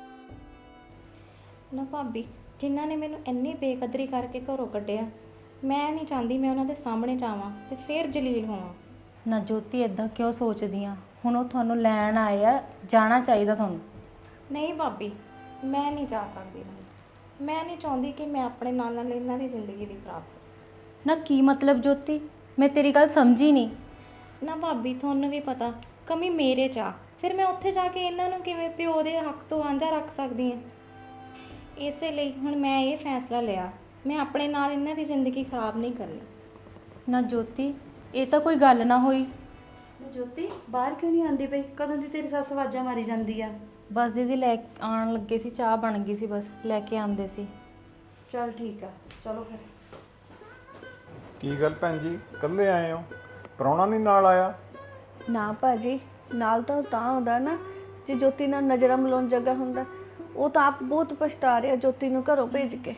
S5: ਨਾ ਭਾਬੀ, ਜਿਨ੍ਹਾਂ ਨੇ ਮੈਨੂੰ ਇੰਨੀ ਬੇਕਦਰੀ ਕਰਕੇ ਘਰੋਂ ਕੱਢਿਆ, ਮੈਂ ਨਹੀਂ ਚਾਹੁੰਦੀ ਮੈਂ ਉਹਨਾਂ ਦੇ ਸਾਹਮਣੇ ਜਾਵਾਂ ਤੇ ਫਿਰ ਜਲੀਲ ਹੋਵਾਂ।
S1: ਨਾ ਜੋਤੀ, ਇਦਾਂ ਕਿਉਂ ਸੋਚਦੀ ਆ? ਹੁਣ ਉਹ ਤੁਹਾਨੂੰ ਲੈਣ ਆਏ ਆ, ਜਾਣਾ ਚਾਹੀਦਾ ਤੁਹਾਨੂੰ।
S5: ਨਹੀਂ ਭਾਬੀ, ਮੈਂ ਨਹੀਂ ਜਾ ਸਕਦੀ। ਮੈਂ ਨਹੀਂ ਚਾਹੁੰਦੀ ਕਿ ਮੈਂ ਆਪਣੇ ਨਾਲ ਨਾਲ ਇਹਨਾਂ ਦੀ ਜ਼ਿੰਦਗੀ ਵੀ ਖਰਾਬ ਕਰਾਂ।
S1: ਨਾ ਕੀ ਮਤਲਬ ਜੋਤੀ, ਮੈਂ ਤੇਰੀ ਗੱਲ ਸਮਝੀ ਨਹੀਂ।
S5: ਨਾ ਭਾਬੀ, ਤੁਹਾਨੂੰ ਵੀ ਪਤਾ ਕਮੀ ਮੇਰੇ 'ਚ ਆ, ਫਿਰ ਮੈਂ ਉੱਥੇ ਜਾ ਕੇ ਇਹਨਾਂ ਨੂੰ ਕਿਵੇਂ ਪਿਓ ਦੇ ਹੱਕ ਤੋਂ ਵਾਂਝਾ ਰੱਖ ਸਕਦੀ ਹਾਂ। ਇਸੇ ਲਈ ਹੁਣ ਮੈਂ ਇਹ ਫੈਸਲਾ ਲਿਆ, ਮੈਂ ਆਪਣੇ ਨਾਲ ਇਹਨਾਂ ਦੀ ਜ਼ਿੰਦਗੀ ਖਰਾਬ ਨਹੀਂ ਕਰਨੀ।
S1: ਨਾ ਜੋਤੀ, ਇਹ ਤਾਂ ਕੋਈ ਗੱਲ ਨਾ ਹੋਈ।
S4: ਜੋਤੀ ਬਾਹਰ ਕਿਉਂ ਨਹੀਂ ਆਉਂਦੀ ਪਈ? ਕਦੋਂ ਦੀ ਤੇਰੀ ਸੱਸ ਆਵਾਜ਼ਾਂ ਮਾਰੀ ਜਾਂਦੀ ਆ।
S1: ਬਸ ਦੀਦੀ ਲੈ ਆਉਣ ਲੱਗੇ ਸੀ, ਚਾਹ ਬਣ ਗਈ ਸੀ, ਬਸ ਲੈ ਕੇ ਆਉਂਦੇ ਸੀ।
S4: ਚਲ ਠੀਕ ਆ, ਚਲੋ ਫਿਰ।
S2: ਕੀ ਗੱਲ ਭੈਣ ਜੀ, ਇਕੱਲੇ ਆਏ ਹੋ? ਪ੍ਰਾਹੁਣਾ ਨਹੀਂ ਨਾਲ ਆਇਆ?
S7: ਨਾ ਭਾਜੀ, ਨਾਲ ਤਾਂ ਉਹ ਤਾਂ ਆਉਂਦਾ ਨਾ ਜੇ ਜੋਤੀ ਨਾਲ ਨਜ਼ਰਾਂ ਮਿਲਾਉਣ ਜਗ੍ਹਾ ਹੁੰਦਾ। ਉਹ ਤਾਂ ਆਪ ਬਹੁਤ ਪਛਤਾ ਰਿਹਾ ਜੋਤੀ ਨੂੰ ਘਰੋਂ ਭੇਜ ਕੇ।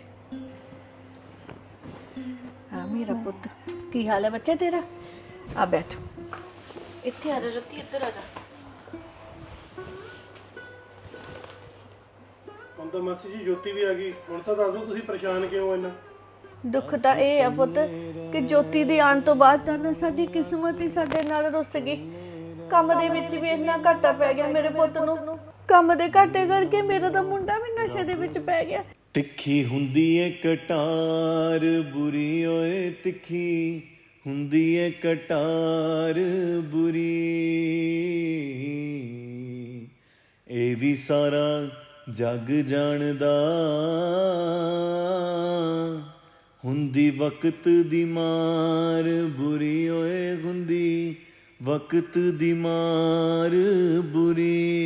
S7: ਹਾਂ ਮੇਰਾ ਪੁੱਤ, ਕੀ ਹਾਲ ਹੈ ਬੱਚੇ ਤੇਰਾ? ਆ ਬੈਠ, ਇੱਥੇ ਆ ਜਾ ਜੋਤੀ, ਇੱਧਰ ਆ ਜਾ।
S3: ਹੁਣ ਤਾਂ ਮਾਸੀ ਜੀ ਜੋਤੀ ਵੀ ਆ ਗਈ। ਹੁਣ ਤਾਂ ਦੱਸ ਦਿਓ ਤੁਸੀਂ ਪਰੇਸ਼ਾਨ ਕਿਉਂ ਹੋ ਇੰਨਾ?
S7: ਦੁੱਖ ਤਾਂ ਇਹ ਆ ਪੁੱਤ ਕਿ ਜੋਤੀ ਦੇ ਆਉਣ ਤੋਂ ਬਾਅਦ ਤਾਂ ਨਾ ਸਾਡੀ ਕਿਸਮਤ ਹੀ ਸਾਡੇ ਨਾਲ ਰੁੱਸ ਗਈ। ਕੰਮ ਦੇ ਵਿੱਚ ਵੀ ਇੰਨਾ ਘਾਟਾ ਪੈ ਗਿਆ ਮੇਰੇ ਪੁੱਤ ਨੂੰ। ਕੰਮ ਦੇ ਘਾਟੇ ਕਰਕੇ ਮੇਰਾ ਤਾਂ ਮੁੰਡਾ ਵੀ ਨਸ਼ੇ ਦੇ ਵਿੱਚ ਪੈ ਗਿਆ।
S8: ਤਿੱਖੀ ਹੁੰਦੀ ਏ ਕਟਾਰ ਬੁਰੀ ਓਏ, ਤਿੱਖੀ ਹੁੰਦੀ ਏ ਕਟਾਰ ਬੁਰੀ। ਇਹ ਵੀ ਸਾਰਾ ਜੱਗ ਜਾਣਦਾ, ਹੁੰਦੀ ਵਕਤ ਦੀ ਮਾਰ ਬੁਰੀ ਓਏ, ਹੁੰਦੀ ਵਕਤ ਦੀ ਮਾਰ ਬੁਰੀ।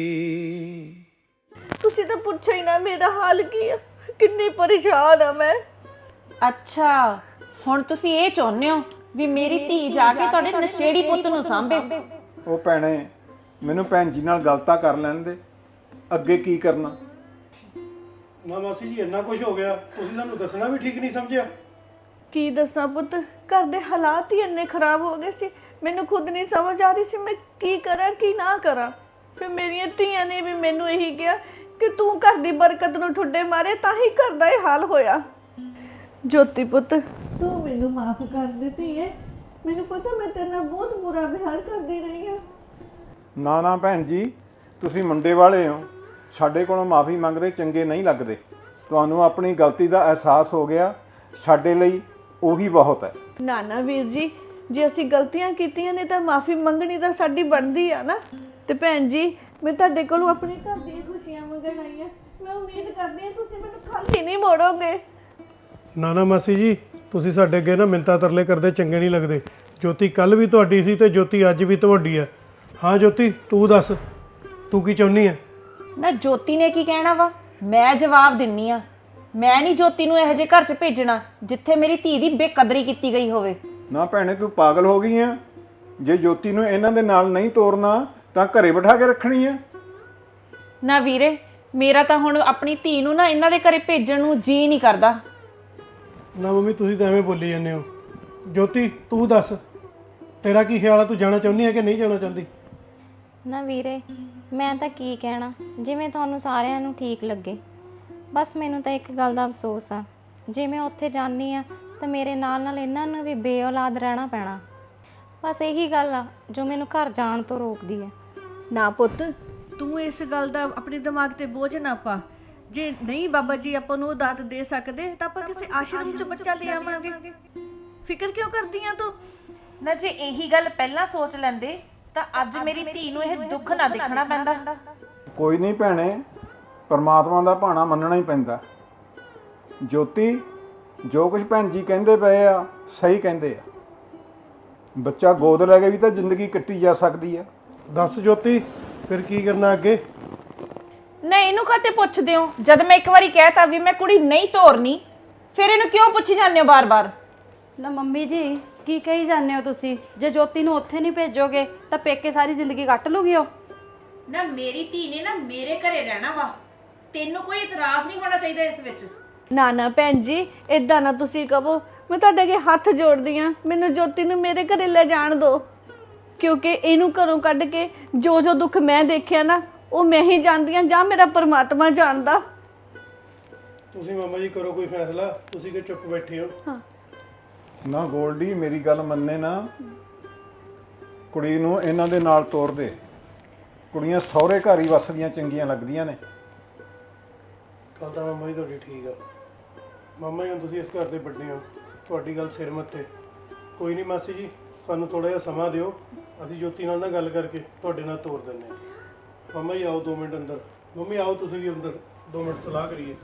S7: ਤੁਸੀਂ ਤਾਂ ਪੁੱਛੋ ਹੀ ਨਾ ਮੇਰਾ ਹਾਲ ਕੀ ਆ, ਕਿੰਨੀ ਪਰੇਸ਼ਾਨ ਆ ਮੈਂ।
S6: ਅੱਛਾ, ਹੁਣ ਤੁਸੀਂ ਇਹ ਚਾਹੁੰਦੇ ਹੋ ਵੀ ਮੇਰੀ ਧੀ ਜਾ ਕੇ ਤੁਹਾਡੇ ਨਸ਼ੇੜੀ ਪੁੱਤ ਨੂੰ ਸਾਂਭੇ?
S2: ਉਹ ਭੈਣੇ, ਮੈਨੂੰ ਭੈਣ ਜੀ ਨਾਲ ਗੱਲ ਤਾਂ ਕਰ ਲੈਣ ਦੇ, ਅੱਗੇ ਕੀ ਕਰਨਾ।
S3: ਨਾ ਮਾਸੀ ਜੀ ਇੰਨਾ ਕੁਝ ਹੋ ਗਿਆ, ਤੁਸੀਂ ਸਾਨੂੰ ਦੱਸਣਾ ਵੀ ਠੀਕ ਨਹੀਂ ਸਮਝਿਆ।
S7: ਕੀ ਦੱਸਾਂ ਪੁੱਤ, ਘਰ ਦੇ ਹਾਲਾਤ ਹੀ ਇੰਨੇ ਖਰਾਬ ਹੋ ਗਏ ਸੀ, ਮੈਨੂੰ ਖੁਦ ਨਹੀਂ ਸਮਝ ਆ ਰਹੀ ਸੀ ਮੈਂ ਕੀ ਕਰਾਂ ਕੀ ਨਾ ਕਰਾਂ। ਫਿਰ ਮੇਰੀਆਂ ਧੀਆਂ ਨੇ ਵੀ ਮੈਨੂੰ ਇਹੀ ਕਿਹਾ ਕਿ ਤੂੰ ਘਰ ਦੀ ਬਰਕਤ ਨੂੰ ਠੁੱਡੇ ਮਾਰੇ ਤਾਂ ਹੀ ਘਰ ਦਾ ਇਹ ਹਾਲ ਹੋਇਆ। ਜੋਤੀ ਪੁੱਤ, ਤੂੰ ਮੈਨੂੰ ਮਾਫ ਕਰ ਦੇ ਧੀਏ, ਮੈਨੂੰ ਪਤਾ ਮੈਂ ਤੇਰੇ ਨਾਲ ਬਹੁਤ ਬੁਰਾ ਵਿਹਾਰ ਕਰਦੀ ਰਹੀ ਹਾਂ।
S2: ਨਾ ਨਾ ਭੈਣ ਜੀ, ਤੁਸੀਂ ਮੁੰਡੇ ਵਾਲੇ ਹੋ, ਸਾਡੇ ਕੋਲੋਂ ਮਾਫੀ ਮੰਗਦੇ ਚੰਗੇ ਨਹੀਂ ਲੱਗਦੇ। ਤੁਹਾਨੂੰ ਆਪਣੀ ਗਲਤੀ ਦਾ ਅਹਿਸਾਸ ਹੋ ਗਿਆ, ਸਾਡੇ ਲਈ ਉਹੀ ਬਹੁਤ ਹੈ।
S7: ਨਾ ਨਾ ਵੀਰ ਜੀ, ਜੇ ਅਸੀਂ ਗਲਤੀਆਂ ਕੀਤੀਆਂ ਨੇ ਤਾਂ ਮਾਫੀ ਮੰਗਣੀ ਤਾਂ ਸਾਡੀ ਬਣਦੀ ਆ ਨਾ। ਤੇ ਭੈਣ ਜੀ, ਮੈਂ ਤੁਹਾਡੇ ਕੋਲੋਂ ਆਪਣੇ ਘਰ ਦੀਆਂ ਖੁਸ਼ੀਆਂ ਮੰਗਣ ਆਈ ਆ। ਮੈਂ ਉਮੀਦ ਕਰਦੀ ਹਾਂ ਤੁਸੀਂ ਮੈਨੂੰ ਖਾਲੀ ਨਹੀਂ ਮੋੜੋਗੇ।
S3: ਨਾ ਨਾ ਮਾਸੀ ਜੀ, ਤੁਸੀਂ ਸਾਡੇ ਅੱਗੇ ਨਾ ਮਿੰਤਾ ਤਰਲੇ ਕਰਦੇ ਚੰਗੇ ਨਹੀਂ ਲੱਗਦੇ। ਜੋਤੀ ਕੱਲ ਵੀ ਤੁਹਾਡੀ ਸੀ ਤੇ ਜੋਤੀ ਅੱਜ ਵੀ ਤੁਹਾਡੀ ਹੈ। ਹਾਂ ਜੋਤੀ, ਤੂੰ ਦੱਸ, ਤੂੰ ਕੀ ਚਾਹੁੰਦੀ ਹੈ?
S6: ਨਾ ਜੋਤੀ ਨੇ ਕੀ ਕਹਿਣਾ ਵਾ, ਮੈਂ ਜਵਾਬ ਦਿੰਨੀ ਆ। ਮੈਂ ਨਹੀਂ ਜੋਤੀ ਨੂੰ ਇਹੋ ਜਿਹੇ ਘਰ 'ਚ ਭੇਜਣਾ ਜਿੱਥੇ ਮੇਰੀ ਧੀ ਦੀ ਬੇਕਦਰੀ ਕੀਤੀ ਗਈ ਹੋਵੇ।
S2: ਨਾ ਭੈਣੇ, ਤੂੰ ਪਾਗਲ ਹੋ ਗਈ ਆ। ਜੇ ਜੋਤੀ ਨੂੰ ਇਹਨਾਂ ਦੇ ਨਾਲ ਨਹੀਂ ਤੋਰਨਾ ਤਾਂ ਘਰੇ ਬਿਠਾ ਕੇ ਰੱਖਣੀ ਆ।
S6: ਨਾ ਵੀਰੇ, ਮੇਰਾ ਤਾਂ ਹੁਣ ਆਪਣੀ ਧੀ ਨੂੰ ਨਾ ਇਹਨਾਂ ਦੇ ਘਰੇ ਭੇਜਣ ਨੂੰ ਜੀ ਨਹੀਂ ਕਰਦਾ।
S3: ਨਾ ਮੰਮੀ, ਤੁਸੀਂ ਤਾਂ ਐਵੇਂ ਬੋਲੀ ਜਾਂਦੇ ਹੋ। ਜੋਤੀ ਤੂੰ ਦੱਸ, ਤੇਰਾ ਕੀ ਖਿਆਲ ਆ? ਤੂੰ ਜਾਣਾ ਚਾਹੁੰਦੀ ਹੈ ਕਿ ਨਹੀਂ ਜਾਣਾ ਚਾਹੁੰਦੀ?
S5: ਨਾ ਵੀਰੇ, ਮੈਂ ਤਾਂ ਕੀ ਕਹਿਣਾ, ਜਿਵੇਂ ਤੁਹਾਨੂੰ ਸਾਰਿਆਂ ਨੂੰ ਠੀਕ ਲੱਗੇ। ਬਸ ਮੈਨੂੰ ਤਾਂ ਇੱਕ ਗੱਲ ਦਾ ਅਫਸੋਸ ਆ, ਜੇ ਮੈਂ ਉੱਥੇ ਜਾਂਦੀ ਆ ਤਾਂ ਮੇਰੇ ਨਾਲ ਨਾਲ ਇਹਨਾਂ ਨੂੰ ਵੀ ਬੇਔਲਾਦ ਰਹਿਣਾ ਪੈਣਾ। ਬਸ ਇਹੀ ਗੱਲ ਆ ਜੋ ਮੈਨੂੰ ਘਰ ਜਾਣ ਤੋਂ ਰੋਕਦੀ ਹੈ।
S7: ਨਾ ਪੁੱਤ, ਤੂੰ ਇਸ ਗੱਲ ਦਾ ਆਪਣੇ ਦਿਮਾਗ ਤੇ ਬੋਝ ਨਾ ਪਾ। ਜੇ ਨਹੀਂ ਬਾਬਾ ਜੀ ਆਪਾਂ ਨੂੰ ਉਹ ਦਾਤ ਦੇ ਸਕਦੇ ਤਾਂ ਆਪਾਂ ਕਿਸੇ ਆਸ਼ਰਮ 'ਚ ਬੱਚਾ ਲੈ ਆਵਾਂਗੇ। ਫਿਕਰ ਕਿਉਂ ਕਰਦੀ ਆ ਤੂੰ?
S6: ਨਾ ਜੇ ਇਹੀ ਗੱਲ ਪਹਿਲਾਂ ਸੋਚ ਲੈਂਦੇ ਤਾਂ ਅੱਜ ਮੇਰੀ ਧੀ ਨੂੰ ਇਹ ਦੁੱਖ ਨਾ ਦੇਖਣਾ ਪੈਂਦਾ।
S2: ਕੋਈ ਨਹੀਂ ਭੈਣੇ, ਪਰਮਾਤਮਾ ਦਾ ਭਾਣਾ ਮੰਨਣਾ ਹੀ ਪੈਂਦਾ। ਜੋਤੀ, ਜੋ ਕੁਝ ਭੈਣ ਜੀ ਕਹਿੰਦੇ ਪਏ ਆ ਸਹੀ ਕਹਿੰਦੇ ਆ। ਬੱਚਾ ਗੋਦ ਲੈ ਕੇ ਵੀ ਤਾਂ ਜ਼ਿੰਦਗੀ ਕੱਟੀ ਜਾ ਸਕਦੀ ਆ।
S3: ਦੱਸ ਜੋਤੀ, ਫਿਰ ਕੀ ਕਰਨਾ ਅੱਗੇ?
S6: ਨਾ ਇਹਨੂੰ ਕਾਤੇ ਪੁੱਛਦੇ ਹੋ? ਜਦ ਮੈਂ ਇੱਕ ਵਾਰੀ ਕਹਿਤਾ ਵੀ ਮੈਂ ਕੁੜੀ ਨਹੀਂ ਤੋਰਨੀ, ਫਿਰ ਇਹਨੂੰ ਕਿਉਂ ਪੁੱਛੀ ਜਾਂਦੇ ਹੋ ਬਾਰ-ਬਾਰ?
S4: ਨਾ ਮੰਮੀ ਜੀ, ਕੀ ਕਹੀ ਜਾਂਦੇ ਹੋ ਤੁਸੀਂ? ਜੇ ਜੋਤੀ ਨੂੰ ਉੱਥੇ ਨਹੀਂ ਭੇਜੋਗੇ ਤਾਂ ਪੇਕੇ ਸਾਰੀ ਜ਼ਿੰਦਗੀ ਕੱਟ ਲੂਗੀ ਉਹ।
S6: ਨਾ ਮੇਰੀ ਧੀ ਨੇ ਨਾ ਮੇਰੇ ਘਰੇ ਰਹਿਣਾ ਵਾ, ਤੈਨੂੰ ਕੋਈ ਇਤਰਾਜ਼ ਨਹੀਂ ਹੋਣਾ ਚਾਹੀਦਾ ਇਸ ਵਿੱਚ।
S7: ਨਾ ਨਾ ਭੈਣ ਜੀ, ਇਦਾਂ ਨਾ ਤੁਸੀਂ ਕਹੋ। ਮੈਂ ਤੁਹਾਡੇ ਅੱਗੇ ਹੱਥ ਜੋੜਦੀ ਆ, ਮੈਨੂੰ ਜੋਤੀ ਨੂੰ ਮੇਰੇ ਘਰੇ ਲੈ ਜਾਣ ਦਿਓ। ਕਿਉਂਕਿ ਇਹਨੂੰ ਘਰੋਂ ਕੱਢ ਕੇ ਜੋ ਜੋ ਦੁੱਖ ਮੈਂ ਦੇਖਿਆ ਨਾ, ਉਹ ਮੈਂ ਹੀ ਜਾਣਦੀ ਆ ਜਾਂ ਮੇਰਾ ਪਰਮਾਤਮਾ ਜਾਣਦਾ।
S3: ਤੁਸੀਂ ਮਾਮਾ ਜੀ ਕਰੋ ਕੋਈ ਫੈਸਲਾ, ਤੁਸੀਂ ਕਿ ਚੁੱਪ ਬੈਠੇ ਹੋ?
S7: ਹਾਂ
S2: ਨਾ ਗੋਲਡੀ, ਮੇਰੀ ਗੱਲ ਮੰਨੇ ਨਾ, ਕੁੜੀ ਨੂੰ ਇਹਨਾਂ ਦੇ ਨਾਲ ਤੋਰ ਦੇ। ਕੁੜੀਆਂ ਸਹੁਰੇ ਘਰ ਹੀ ਵੱਸਦੀਆਂ ਚੰਗੀਆਂ ਲੱਗਦੀਆਂ ਨੇ।
S3: ਗੱਲ ਤਾਂ ਮਾਮਾ ਜੀ ਤੁਹਾਡੀ ਠੀਕ ਆ, ਮਾਮਾ ਜੀ ਹੁਣ ਤੁਸੀਂ ਇਸ ਘਰ ਦੇ ਵੱਡੇ ਹੋ, ਤੁਹਾਡੀ ਗੱਲ ਸਿਰ ਮੱਥੇ। ਕੋਈ ਨਹੀਂ ਮਾਸੀ ਜੀ, ਸਾਨੂੰ ਥੋੜਾ ਜਿਹਾ ਸਮਾਂ ਦਿਓ, ਅਸੀਂ ਜੋਤੀ ਨਾਲ ਨਾ ਗੱਲ ਕਰਕੇ ਤੁਹਾਡੇ ਨਾਲ ਤੋਰ ਦਿੰਦੇ ਹਾਂ। ਮਾਮਾ ਜੀ ਆਓ 2 ਮਿੰਟ ਅੰਦਰ। ਮੰਮੀ ਆਓ ਤੁਸੀਂ ਵੀ ਅੰਦਰ, 2 ਮਿੰਟ ਸਲਾਹ ਕਰੀਏ।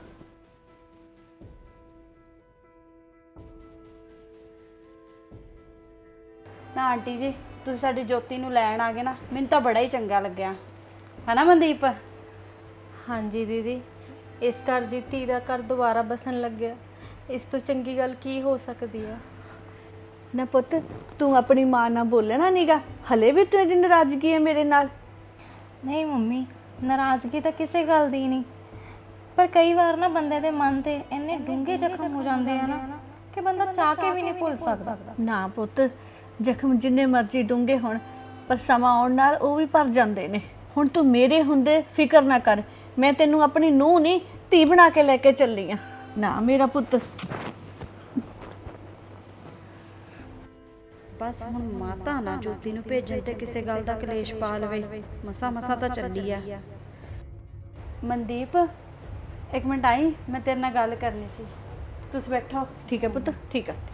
S4: ਨਾ ਆਂਟੀ ਜੀ, ਤੁਸੀਂ ਸਾਡੀ ਜੋਤੀ ਨੂੰ ਲੈਣ ਆ ਗਏ ਨਾ, ਮੈਨੂੰ ਤਾਂ ਬੜਾ ਹੀ ਚੰਗਾ ਲੱਗਿਆ, ਹਨਾ ਮਨਦੀਪ?
S1: ਹਾਂਜੀ ਦੀਦੀ, ਇਸ ਘਰ ਦੀ ਧੀ ਦਾ ਘਰ ਦੁਬਾਰਾ ਬਸਣ ਲੱਗਿਆ, ਇਸ ਤੋਂ ਚੰਗੀ ਗੱਲ ਕੀ ਹੋ ਸਕਦੀ ਆ।
S7: ਨਾ ਪੁੱਤ, ਤੂੰ ਆਪਣੀ ਮਾਂ ਨਾਲ ਬੋਲਣਾ ਨੀਗਾ, ਹਲੇ ਵੀ ਤੇਰੀ ਨਾਰਾਜ਼ਗੀ ਹੈ ਮੇਰੇ ਨਾਲ?
S5: ਨਹੀਂ ਮੰਮੀ, ਨਾਰਾਜ਼ਗੀ ਤਾਂ ਕਿਸੇ ਗੱਲ ਦੀ ਨਹੀਂ, ਪਰ ਕਈ ਵਾਰ ਨਾ ਬੰਦੇ ਦੇ ਮਨ ਤੇ ਇੰਨੇ ਡੂੰਘੇ ਜ਼ਖਮ ਹੋ ਜਾਂਦੇ ਆ ਨਾ ਕਿ ਬੰਦਾ ਚਾਹ ਕੇ ਵੀ ਨਹੀਂ ਭੁੱਲ ਸਕਦਾ।
S7: ਨਾ ਪੁੱਤ, ਜ਼ਖਮ ਜਿੰਨੇ ਮਰਜ਼ੀ ਡੂੰਘੇ ਹੋਣ, ਪਰ ਸਮਾਂ ਆਉਣ ਨਾਲ ਉਹ ਵੀ ਭਰ ਜਾਂਦੇ ਨੇ। ਹੁਣ ਤੂੰ ਮੇਰੇ ਹੁੰਦੇ ਫਿਕਰ ਨਾ ਕਰ, ਮੈਂ ਤੈਨੂੰ ਆਪਣੀ ਨੂੰਹ ਨਹੀਂ ਧੀ ਬਣਾ ਕੇ ਲੈ ਕੇ ਚੱਲੀ ਆ। ਨਾ ਮੇਰਾ ਪੁੱਤ।
S4: ਬਸ ਹੁਣ ਮਾਤਾ ਨਾ ਜੋਤੀ ਨੂੰ ਭੇਜਣ ਤੇ ਕਿਸੇ ਗੱਲ ਦਾ ਕਲੇਸ਼ ਪਾ ਲਵੇ, ਮਸਾ ਮਸਾ ਤਾਂ ਚੱਲੀ ਆ। ਮਨਦੀਪ, 1 ਮਿੰਟ ਆਈ, ਮੈਂ ਤੇਰੇ ਨਾਲ ਗੱਲ ਕਰਨੀ ਸੀ। ਤੁਸੀਂ ਬੈਠੋ।
S7: ਠੀਕ ਹੈ ਪੁੱਤ, ਠੀਕ ਹੈ।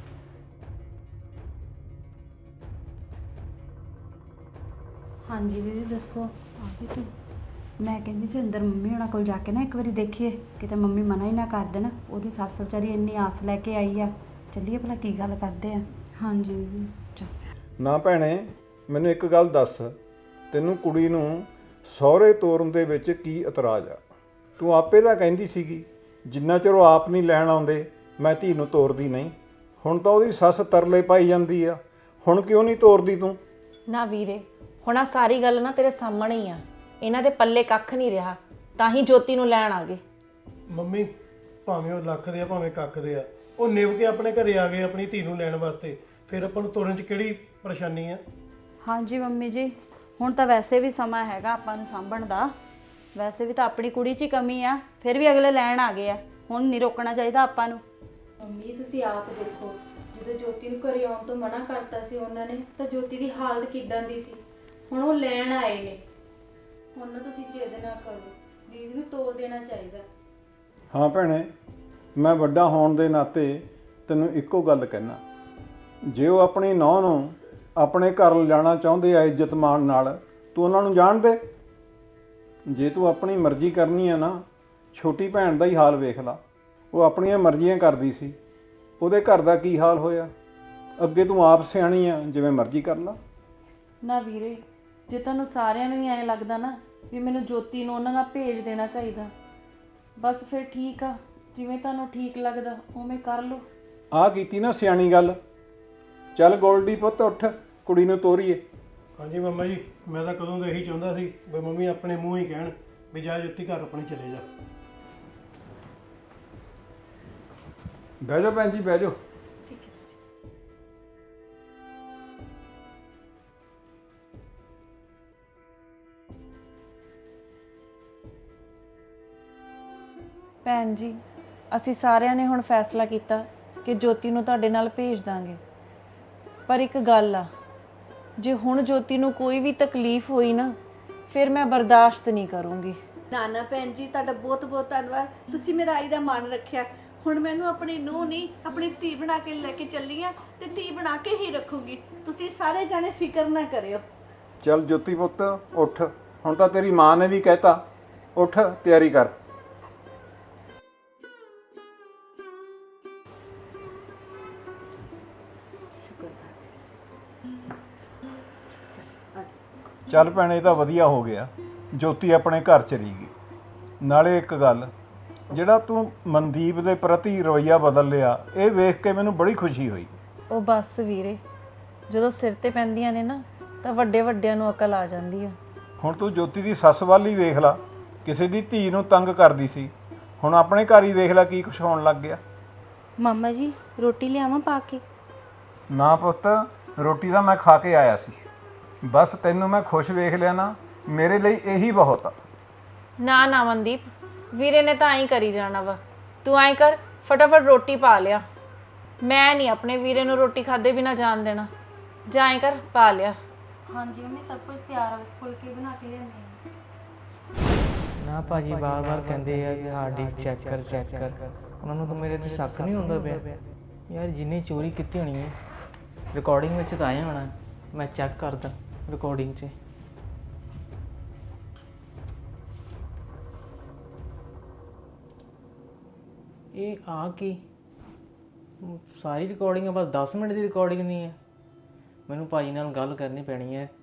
S1: ਹਾਂਜੀ ਦੀਦੀ ਦੱਸੋ।
S4: ਆ ਗਈ ਤੂੰ? ਮੈਂ ਕਹਿੰਦੀ ਸੀ ਅੰਦਰ ਮੰਮੀ ਹੋਣਾ ਕੋਲ ਜਾ ਕੇ ਨਾ ਇੱਕ ਵਾਰੀ ਦੇਖੀਏ, ਕਿਤੇ ਮੰਮੀ ਮਨਾ ਹੀ ਨਾ ਕਰ ਦੇਣ। ਉਹਦੀ ਸੱਸ ਵਿਚਾਰੀ ਇੰਨੀ ਆਸ ਲੈ ਕੇ ਆਈ ਆ। ਚੱਲੀਏ ਭਲਾ ਕੀ ਗੱਲ ਕਰਦੇ ਆ।
S1: ਹਾਂਜੀ ਦੀਦੀ।
S4: ਚੱਲ।
S2: ਨਾ ਭੈਣੇ, ਮੈਨੂੰ ਇੱਕ ਗੱਲ ਦੱਸ, ਤੈਨੂੰ ਕੁੜੀ ਨੂੰ ਸਹੁਰੇ ਤੋਰਨ ਦੇ ਵਿੱਚ ਕੀ ਇਤਰਾਜ਼ ਆ? ਤੂੰ ਆਪੇ ਤਾਂ ਕਹਿੰਦੀ ਸੀਗੀ ਜਿੰਨਾ ਚਿਰ ਉਹ ਆਪ ਨਹੀਂ ਲੈਣ ਆਉਂਦੇ ਮੈਂ ਧੀ ਨੂੰ ਤੋਰਦੀ ਨਹੀਂ। ਹੁਣ ਤਾਂ ਉਹਦੀ ਸੱਸ ਤਰਲੇ ਪਾਈ ਜਾਂਦੀ ਆ, ਹੁਣ ਕਿਉਂ ਨਹੀਂ ਤੋਰਦੀ ਤੂੰ?
S6: ਨਾ ਵੀਰੇ, ਹੁਣ ਆ ਸਾਰੀ ਗੱਲ ਨਾ ਤੇਰੇ ਸਾਹਮਣੇ ਹੀ ਆ। ਇਹਨਾਂ ਦੇ ਪੱਲੇ ਕੱਖ ਨਹੀਂ ਰਿਹਾ, ਤਾਂ ਹੀ ਜੋਤੀ ਨੂੰ ਲੈਣ ਆ ਗਏ।
S3: ਮੰਮੀ, ਭਾਵੇਂ ਉਹ ਲੱਖ ਦੇ ਆ ਭਾਵੇਂ ਕੱਖ ਦੇ ਆ, ਉਹ ਨਿਭ ਕੇ ਆਪਣੇ ਘਰੇ ਆ ਗਏ ਆਪਣੀ ਧੀ ਨੂੰ ਲੈਣ ਵਾਸਤੇ, ਫਿਰ ਆਪਾਂ ਨੂੰ ਤੋਰਨ 'ਚ ਕਿਹੜੀ ਪਰੇਸ਼ਾਨੀ ਆ?
S4: ਹਾਂਜੀ ਮੰਮੀ ਜੀ, ਹੁਣ ਤਾਂ ਵੈਸੇ ਵੀ ਸਮਾਂ ਹੈਗਾ ਆਪਾਂ ਨੂੰ ਸਾਂਭਣ ਦਾ। ਵੈਸੇ ਵੀ ਤਾਂ ਆਪਣੀ ਕੁੜੀ 'ਚ ਹੀ ਕਮੀ ਆ, ਫਿਰ ਵੀ ਅਗਲੇ ਲੈਣ ਆ ਗਏ ਆ। ਹੁਣ ਨਹੀਂ ਰੋਕਣਾ ਚਾਹੀਦਾ ਆਪਾਂ ਨੂੰ।
S1: ਮੰਮੀ ਤੁਸੀਂ ਆਪ ਦੇਖੋ, ਜਦੋਂ ਜੋਤੀ ਨੂੰ ਘਰੇ ਆਉਣ ਤੋਂ ਮਨਾ ਕਰਤਾ ਸੀ ਉਹਨਾਂ ਨੇ, ਤਾਂ ਜੋਤੀ ਦੀ ਹਾਲਤ ਕਿੱਦਾਂ ਦੀ ਸੀ। ਹੁਣ ਉਹ ਲੈਣ ਆਏ ਨੇ, ਹੁਣ ਨਾ ਤੁਸੀਂ ਜਿੱਦ ਨਾ ਕਰੋ, ਦੀਦੀ ਨੂੰ ਤੋਰ ਦੇਣਾ ਚਾਹੀਦਾ।
S2: ਹਾਂ ਭੈਣੇ, ਮੈਂ ਵੱਡਾ ਹੋਣ ਦੇ ਨਾਤੇ ਤੈਨੂੰ ਇੱਕੋ ਗੱਲ ਕਹਿਣਾ, ਜੇ ਉਹ ਆਪਣੀ ਨੌਂ ਨੂੰ ਆਪਣੇ ਘਰ ਲਿਜਾਣਾ ਚਾਹੁੰਦੇ ਆ ਇੱਜ਼ਤ ਮਾਣ ਨਾਲ, ਤੂੰ ਉਹਨਾਂ ਨੂੰ ਜਾਣ ਦੇ। ਜੇ ਤੂੰ ਆਪਣੀ ਮਰਜ਼ੀ ਕਰਨੀ ਆ ਨਾ, ਛੋਟੀ ਭੈਣ ਦਾ ਹੀ ਹਾਲ ਵੇਖ ਲਾ, ਉਹ ਆਪਣੀਆਂ ਮਰਜ਼ੀਆਂ ਕਰਦੀ ਸੀ, ਉਹਦੇ ਘਰ ਦਾ ਕੀ ਹਾਲ ਹੋਇਆ। ਅੱਗੇ ਤੂੰ ਆਪ ਸਿਆਣੀ ਆ, ਜਿਵੇਂ ਮਰਜ਼ੀ ਕਰ ਲਾ।
S6: ਨਾ ਵੀਰੇ, ਜੇ ਤੁਹਾਨੂੰ ਸਾਰਿਆਂ ਨੂੰ ਹੀ ਐਂ ਲੱਗਦਾ ਨਾ ਵੀ ਮੈਨੂੰ ਜੋਤੀ ਨੂੰ ਉਹਨਾਂ ਨਾਲ ਭੇਜ ਦੇਣਾ ਚਾਹੀਦਾ, ਬਸ ਫਿਰ ਠੀਕ ਆ, ਜਿਵੇਂ ਤੁਹਾਨੂੰ ਠੀਕ ਲੱਗਦਾ ਉਵੇਂ ਕਰ ਲਓ।
S2: ਆਹ ਕੀਤੀ ਨਾ ਸਿਆਣੀ ਗੱਲ। ਚੱਲ ਗੋਲਡੀ ਪੁੱਤ, ਉੱਠ, ਕੁੜੀ ਨੂੰ ਤੋਰੀਏ।
S3: ਹਾਂਜੀ ਮੰਮਾ ਜੀ, ਮੈਂ ਤਾਂ ਕਦੋਂ ਦਾ ਇਹੀ ਚਾਹੁੰਦਾ ਸੀ ਵੀ ਮੰਮੀ ਆਪਣੇ ਮੂੰਹ ਹੀ ਕਹਿਣ ਵੀ ਜਾ ਜੋਤੀ ਘਰ ਆਪਣੇ ਚਲੇ ਜਾ।
S2: ਬਹਿ ਜਾਓ ਭੈਣ ਜੀ, ਬਹਿ ਜਾਓ।
S6: ਭੈਣ ਜੀ, ਅਸੀਂ ਸਾਰਿਆਂ ਨੇ ਹੁਣ ਫੈਸਲਾ ਕੀਤਾ ਕਿ ਜੋਤੀ ਨੂੰ ਤੁਹਾਡੇ ਨਾਲ ਭੇਜ ਦਾਂਗੇ, ਪਰ ਇੱਕ ਗੱਲ ਆ, ਜੇ ਹੁਣ ਜੋਤੀ ਨੂੰ ਕੋਈ ਵੀ ਤਕਲੀਫ ਹੋਈ ਨਾ, ਫਿਰ ਮੈਂ ਬਰਦਾਸ਼ਤ ਨਹੀਂ ਕਰੂੰਗੀ।
S7: ਨਾ ਨਾ ਭੈਣ ਜੀ, ਤੁਹਾਡਾ ਬਹੁਤ ਬਹੁਤ ਧੰਨਵਾਦ, ਤੁਸੀਂ ਮੇਰਾ ਆਈ ਦਾ ਮਾਣ ਰੱਖਿਆ। ਹੁਣ ਮੈਨੂੰ ਆਪਣੀ ਨੂੰਹ ਨਹੀਂ ਆਪਣੀ ਧੀ ਬਣਾ ਕੇ ਲੈ ਕੇ ਚੱਲੀ ਆ, ਤੇ ਧੀ ਬਣਾ ਕੇ ਹੀ ਰੱਖੂਗੀ। ਤੁਸੀਂ ਸਾਰੇ ਜਾਣੇ ਫਿਕਰ ਨਾ ਕਰਿਓ।
S2: ਚੱਲ ਜੋਤੀ ਪੁੱਤ ਉੱਠ, ਹੁਣ ਤਾਂ ਤੇਰੀ ਮਾਂ ਨੇ ਵੀ ਕਹਿਤਾ, ਉੱਠ ਤਿਆਰੀ ਕਰ। ਚੱਲ ਭੈਣੇ, ਇਹ ਤਾਂ ਵਧੀਆ ਹੋ ਗਿਆ, ਜੋਤੀ ਆਪਣੇ ਘਰ ਚਲੀ ਗਈ। ਨਾਲੇ ਇੱਕ ਗੱਲ, ਜਿਹੜਾ ਤੂੰ ਮਨਦੀਪ ਦੇ ਪ੍ਰਤੀ ਰਵੱਈਆ ਬਦਲ ਲਿਆ, ਇਹ ਵੇਖ ਕੇ ਮੈਨੂੰ ਬੜੀ ਖੁਸ਼ੀ ਹੋਈ।
S6: ਉਹ ਬਸ ਵੀਰੇ, ਜਦੋਂ ਸਿਰ ਤੇ ਪੈਂਦੀਆਂ ਨੇ ਨਾ, ਤਾਂ ਵੱਡੇ ਵੱਡਿਆਂ ਨੂੰ ਅਕਲ ਆ ਜਾਂਦੀ ਆ।
S2: ਹੁਣ ਤੂੰ ਜੋਤੀ ਦੀ ਸੱਸ ਵੱਲ ਹੀ ਵੇਖ ਲਾ, ਕਿਸੇ ਦੀ ਧੀ ਨੂੰ ਤੰਗ ਕਰਦੀ ਸੀ, ਹੁਣ ਆਪਣੇ ਘਰ ਹੀ ਵੇਖ ਲੈ ਕੀ ਕੁਛ ਹੋਣ ਲੱਗ ਗਿਆ।
S1: ਮਾਮਾ ਜੀ, ਰੋਟੀ ਲਿਆਵਾਂ ਪਾ ਕੇ?
S2: ਨਾ ਪੁੱਤ, ਰੋਟੀ ਤਾਂ ਮੈਂ ਖਾ ਕੇ ਆਇਆ ਸੀ, ਬਸ ਤੈਨੂੰ ਮੈਂ ਖੁਸ਼ ਵੇਖ ਲਿਆ ਨਾ, ਮੇਰੇ ਲਈ ਇਹੀ ਬਹੁਤ ਆ।
S6: ਨਾ ਨਾ ਮਨਦੀਪ, ਵੀਰੇ ਨੇ ਤਾਂ ਐਂ ਕਰੀ ਜਾਣਾ ਵਾ। ਤੂੰ ਐਂ ਕਰ, ਫਟਾਫਟ ਰੋਟੀ ਪਾ ਲਿਆ। ਮੈਂ ਨਹੀਂ ਆਪਣੇ ਵੀਰੇ ਨੂੰ ਰੋਟੀ ਖਾਦੇ ਬਿਨਾ ਜਾਣ ਦੇਣਾ। ਜਾਂ ਐਂ ਕਰ, ਪਾ ਲਿਆ।
S1: ਹਾਂਜੀ ਮੰਮੀ, ਸਭ ਕੁਝ ਤਿਆਰ ਆ, ਬਸ ਫੁਲਕੇ ਬਣਾ ਕੇ ਲਿਆਉਂਦੀ ਹਾਂ।
S9: ਨਾ ਭਾਜੀ ਬਾਰ-ਬਾਰ ਕਹਿੰਦੇ ਆ ਕਿ ਹਾਰਡ ਡਿਸਕ ਚੈੱਕ ਕਰ। ਉਹਨਾਂ ਨੂੰ ਤਾਂ ਮੇਰੇ ਤੇ ਸ਼ੱਕ ਨਹੀਂ ਹੁੰਦਾ ਪਿਆ। ਯਾਰ ਜਿੰਨੇ ਚੋਰੀ ਕੀਤੀ ਹੋਣੀ ਹੈ ਰਿਕਾਰਡਿੰਗ ਵਿੱਚ ਤਾਂ ਆਇਆ ਹੋਣਾ। ਮੈਂ ਚੈੱਕ ਕਰਦਾ ਰਿਕਾਰਡਿੰਗ 'ਚ। ਇਹ ਆ ਕੀ ਸਾਰੀ ਰਿਕਾਰਡਿੰਗ ਹੈ, ਬਸ 10 ਮਿੰਟ ਦੀ ਰਿਕਾਰਡਿੰਗ ਨਹੀਂ ਹੈ। ਮੈਨੂੰ ਭਾਜੀ ਨਾਲ ਗੱਲ ਕਰਨੀ ਪੈਣੀ ਹੈ